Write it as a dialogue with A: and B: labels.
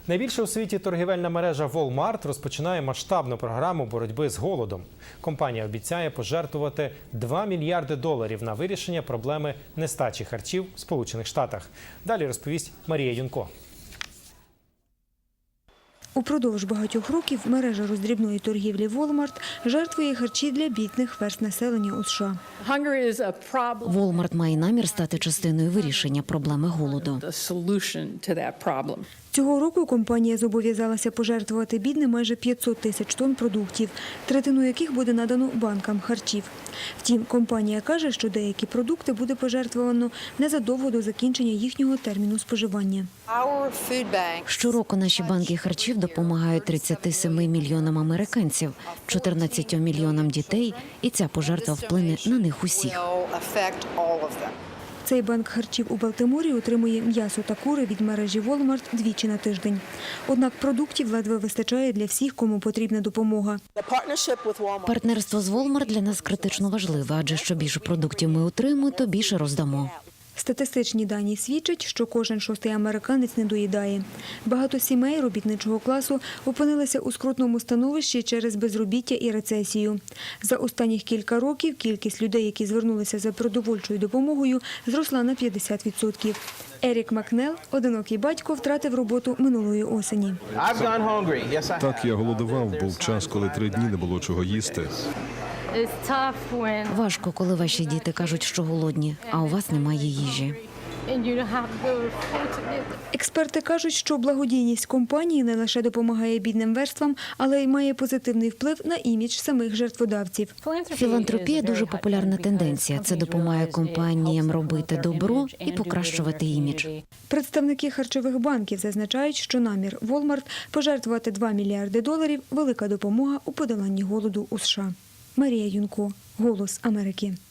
A: Найбільша у світі торгівельна мережа Walmart розпочинає масштабну програму боротьби з голодом. Компанія обіцяє пожертвувати $2 мільярди на вирішення проблеми нестачі харчів в Сполучених Штатах. Далі розповість Марія Юнко.
B: Упродовж багатьох років мережа роздрібної торгівлі Walmart жертвує харчі для бідних верств населення у США.
C: Walmart має намір стати частиною вирішення проблеми голоду.
B: Цього року компанія зобов'язалася пожертвувати бідним майже 500 тисяч тонн продуктів, третину яких буде надано банкам харчів. Втім, компанія каже, що деякі продукти буде пожертвовано незадовго до закінчення їхнього терміну споживання.
C: Щороку наші банки харчів допомагають 37 мільйонам американців, 14 мільйонам дітей, і ця пожертва вплине на них усіх.
B: Цей банк харчів у Балтиморі отримує м'ясо та кури від мережі Walmart двічі на тиждень. Однак продуктів ледве вистачає для всіх, кому потрібна допомога.
C: Партнерство з Walmart для нас критично важливе, адже що більше продуктів ми отримаємо, то більше роздамо.
B: Статистичні дані свідчать, що кожен шостий американець не доїдає. Багато сімей робітничого класу опинилися у скрутному становищі через безробіття і рецесію. За останніх кілька років кількість людей, які звернулися за продовольчою допомогою, зросла на 50%. Ерік Макнел, одинокий батько, втратив роботу минулої осені.
D: Так, я голодував, був час, коли 3 дні не було чого їсти.
C: Важко, коли ваші діти кажуть, що голодні, а у вас немає їжі.
B: Експерти кажуть, що благодійність компанії не лише допомагає бідним верствам, але й має позитивний вплив на імідж самих жертводавців.
C: Філантропія – дуже популярна тенденція. Це допомагає компаніям робити добро і покращувати імідж.
B: Представники харчових банків зазначають, що намір Walmart пожертвувати $2 мільярди – велика допомога у подоланні голоду у США. Марія Юнко, «Голос Америки».